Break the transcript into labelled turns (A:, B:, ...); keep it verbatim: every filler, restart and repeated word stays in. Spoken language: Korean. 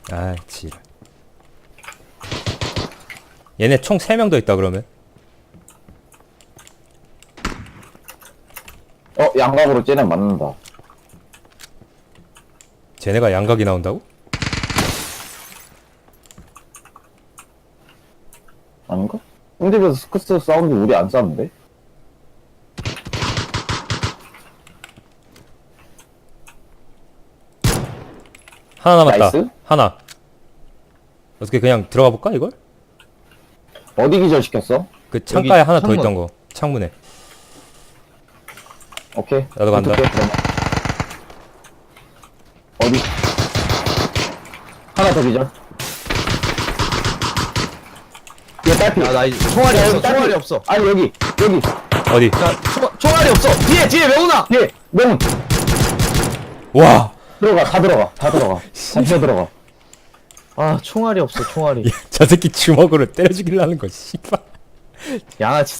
A: 아 지랄. 얘네 총 세 명 더 있다 그러면.
B: 어, 양각으로 쟤네 맞는다.
A: 쟤네가 양각이 나온다고?
B: 아닌가? 홍집에서 스크스 사운드 우리 안 싸는데?
A: 하나 남았다.
B: 나이스.
A: 하나. 어떻게 그냥 들어가 볼까 이걸?
B: 어디 기절시켰어?
A: 그 창가에 하나
C: 창문.
A: 더 있던 거. 창문에.
B: 오케이.
A: 나도 간다.
B: 붙을게, 그러면. 어디? 하나 더 기절. 얘 딸피.
C: 야, 나 이제 총알이
B: 야,
C: 없어.
B: 여기 딸피.
C: 총알이 없어.
B: 아니, 여기, 여기.
A: 어디?
C: 야, 총, 총알이 없어. 뒤에, 뒤에 명훈아.
B: 얘, 명훈.
A: 와.
B: 들어가, 다 들어가, 다 들어가. 다 치어 들어가.
C: 아, 총알이 없어. 총알이.
A: 저 새끼 주먹으로 때려 죽이려는 거 씨발.
C: 양아치